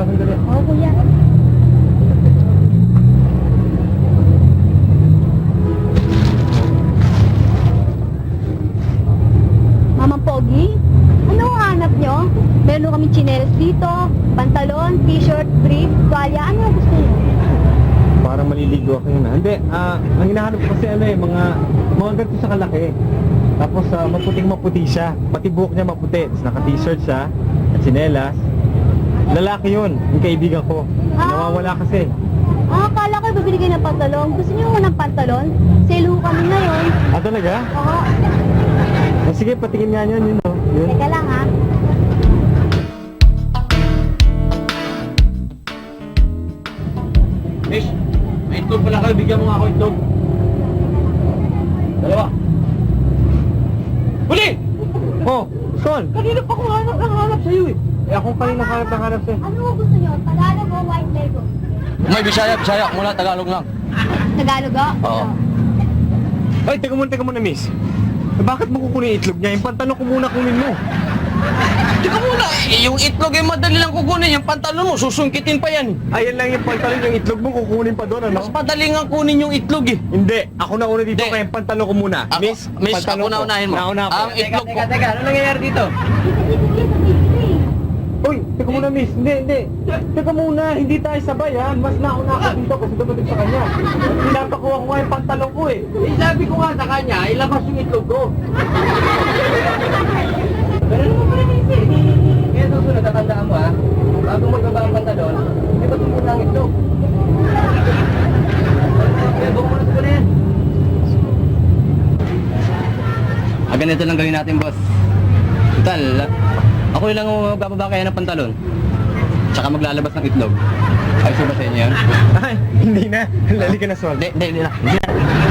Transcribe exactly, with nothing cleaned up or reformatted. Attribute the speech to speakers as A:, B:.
A: sandali.
B: Oo, kuya. Mamang Pogi, ano ang hanap nyo? Meron kami tsinelas dito, pantalon, t-shirt, brief, tuwalya. Ano ang gusto nyo?
A: Parang maliligo ako yun. ah. Hindi, ah, ang hinahanap ko kasi ano eh, mga, mga ganito sa kalaki. Tapos ah, maputing maputi siya. Pati buhok niya maputi. Tapos naka-t-shirt siya, at sinelas. Lalaki yun, yung kaibigan ko.
B: Ah.
A: Nawawala kasi.
B: Ah, akala ko bibili kayo ng pantalon. Gusto nyo ng pantalon? Sale ho kami ngayon.
A: Ah, talaga?
B: Oo.
A: Ah, sige, patingin nga yun, yun oh. Yun.
B: Teka lang ha.
A: Miss, may itlog pala kayo. Bigyan mo nga ako itlog. Dalawa. Huli! Oh, Son! Kanina pa kung hanap ng hanap sa'yo eh. Eh, akong kanina hanap ng hanap sa'yo.
B: Ano ang gusto nyo? Tagalog o white label?
C: May Bisaya, Bisaya. Mula Tagalog lang.
B: Tagalog o?
C: Oo.
A: Ay, teka muna, teka muna, miss. Eh, bakit mo kukunin yung itlog niya? Yung pantalon ko muna kunin mo.
C: Teka muna, eh, yung itlog ay madali lang kukunin. Yung pantalon mo, susungkitin pa yan.
A: Ayan lang yung pantalon, yung itlog mo kukunin pa doon, ano?
C: Mas madali nga kunin yung itlog eh.
A: Hindi, ako na una dito
C: Hindi.
A: kaya yung pantalon ko muna.
C: Ako,
A: miss,
C: miss,
A: pantalon
C: ako
A: ko.
C: na unahin mo.
A: Nauna ako.
C: Ang itlog ko.
D: Teka, ano nangyayari dito?
A: Uy, teka muna, miss. Hindi, hindi. Teka muna, hindi tayo sabay, ha? Mas nauna ako dito kasi dumating sa kanya. Pinapakuha ko nga yung pantalon ko, eh.
D: Eh, sabi ko nga sa kanya, ilabas yung itlog ko. Pero ano mo pala nisi? Kaya susunod, tatandaan mo ha, bago magbaba ang pantalon, ibas mo muna ang itlog. Kaya buko muna sa yan.
C: Ah, ganito lang gawin natin, boss. Total, ako lang ang magbababa kaya ng pantalon. Tsaka maglalabas ng itlog. Ayos ba sa inyo yan?
A: Ay, hindi na. Lali ka na, Sol.
C: Hindi, hindi, hindi na. Hindi na.